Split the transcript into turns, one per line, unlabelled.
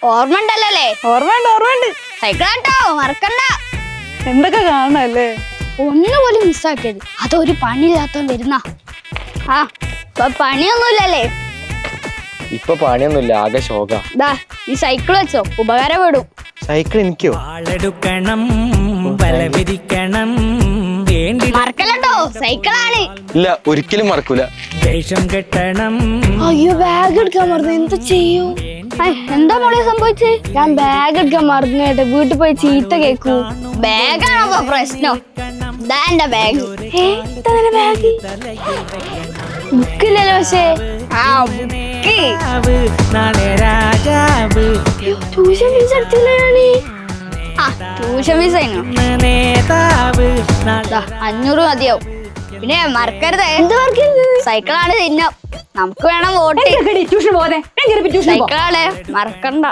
ഓർമ്മണ്ടല്ലേ?
ഓർമ്മയുണ്ട്.
സൈക്കിളാട്ടോ, മറക്കണ്ട.
എന്തൊക്കെ കാണണല്ലേ?
ഒന്നുപോലും മിസ്സാക്കിയത്. അതൊരു പണിയില്ലാത്ത വരുന്ന. ആ പണിയൊന്നുമില്ലല്ലേ?
ഇപ്പൊ പണിയൊന്നുമില്ല, ആകെ ശോക.
ദാ ഈ സൈക്കിൾ വെച്ചോ, ഉപകാരപ്പെടും.
സൈക്കിൾ എനിക്കോ?
മറക്കല്ലോ, സൈക്കിളാണ്.
ഇല്ല, ഒരിക്കലും മറക്കൂല.
അയ്യോ, ബാഗ് എടുക്കാൻ മറന്നു. എന്താ ചെയ്യൂ?
എന്താ മോളെ സംഭവിച്ചേ?
ഞാൻ ബാഗ് എടുക്കാൻ മറന്നു കേട്ടെ. വീട്ടിൽ പോയി ചീത്ത കേക്കൂ.
ബാഗാണോ പ്രശ്നം? ഇതാ എന്റെ ബാഗ്.
ബാഗ് ബുക്കില്ലല്ലോ. പക്ഷേ ട്യൂഷൻ ഫീസ് എടുത്തില്ല
ട്യൂഷൻ ഫീസ് 500 മതിയാവും. പിന്നെ മറക്കരുത്, സൈക്കിളാണ് ചിഹ്നം. നമുക്ക് വേണം വോട്ട്.
ട്യൂഷൻ പോകാതെ
സൈക്കിളാണ്, മറക്കണ്ട.